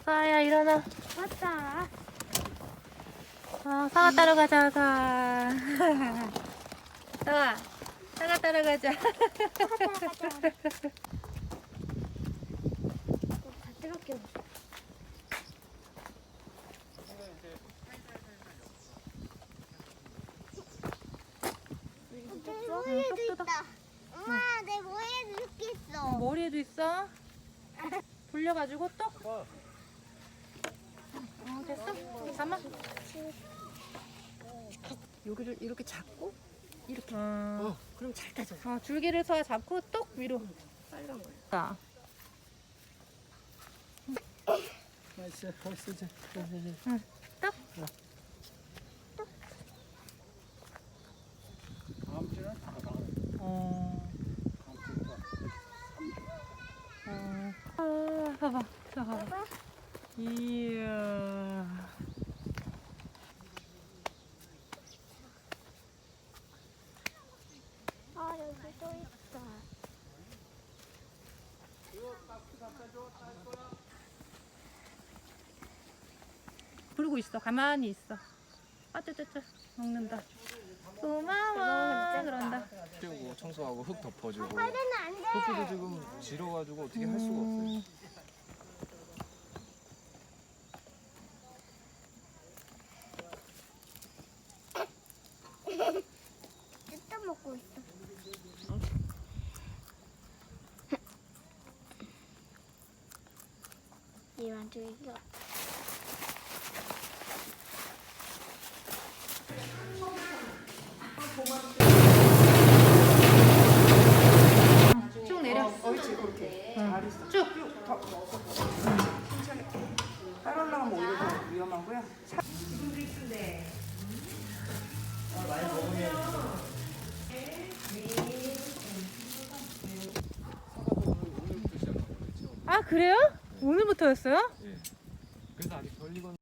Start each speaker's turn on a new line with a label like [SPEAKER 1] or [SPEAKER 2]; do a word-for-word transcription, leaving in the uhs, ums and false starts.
[SPEAKER 1] 사야 일어나.
[SPEAKER 2] 맞다.
[SPEAKER 1] 어, 사과 따러 가자, 사. 사과, 사과 따러 가자.
[SPEAKER 2] 가자, 가자. 다 뜨겁게. 내 머리에도
[SPEAKER 1] 쏙 뜯어.
[SPEAKER 2] 있다. 엄마, 내 머리에도 이렇게 있어.
[SPEAKER 1] 머리에도 있어? 돌려가지고 또? 어, 됐어? 잠깐만.
[SPEAKER 3] 여기를 이렇게 잡고 이렇게.
[SPEAKER 1] 어,
[SPEAKER 3] 그럼 잘 타져요.
[SPEAKER 1] 어, 줄기를 서 잡고 똑 위로.
[SPEAKER 3] 빨간 거예요.
[SPEAKER 1] 자,
[SPEAKER 4] 맛있어, 맛있어.
[SPEAKER 1] 응, 똑.
[SPEAKER 4] 다음 주는 다 나와.
[SPEAKER 1] 어,
[SPEAKER 4] 다음 주는
[SPEAKER 1] 어. 아, 봐봐, 자, 봐봐. 이야.
[SPEAKER 2] 아, 여기 또 있다.
[SPEAKER 1] 부르고 있어. 가만히 있어. 아쩌쩌쩌 먹는다. 고마워. 그런다.
[SPEAKER 5] 치우고 청소하고 흙 덮어주고
[SPEAKER 2] 빨대는 안 돼.
[SPEAKER 5] 흙도 지금 질어가지고 어떻게 할 수가 없어요.
[SPEAKER 2] 뜯어 먹고 있어. 이만 줄기가.
[SPEAKER 1] 쭉 내려.
[SPEAKER 3] 옳지, 그렇게. 잘했어.
[SPEAKER 1] 쭉.
[SPEAKER 3] 더. 천천히. 따라 올라가면 오히려 더 위험하고요.
[SPEAKER 1] 아, 그래요? 오늘부터였어요?
[SPEAKER 5] 예. 그래서 아직 덜 익었.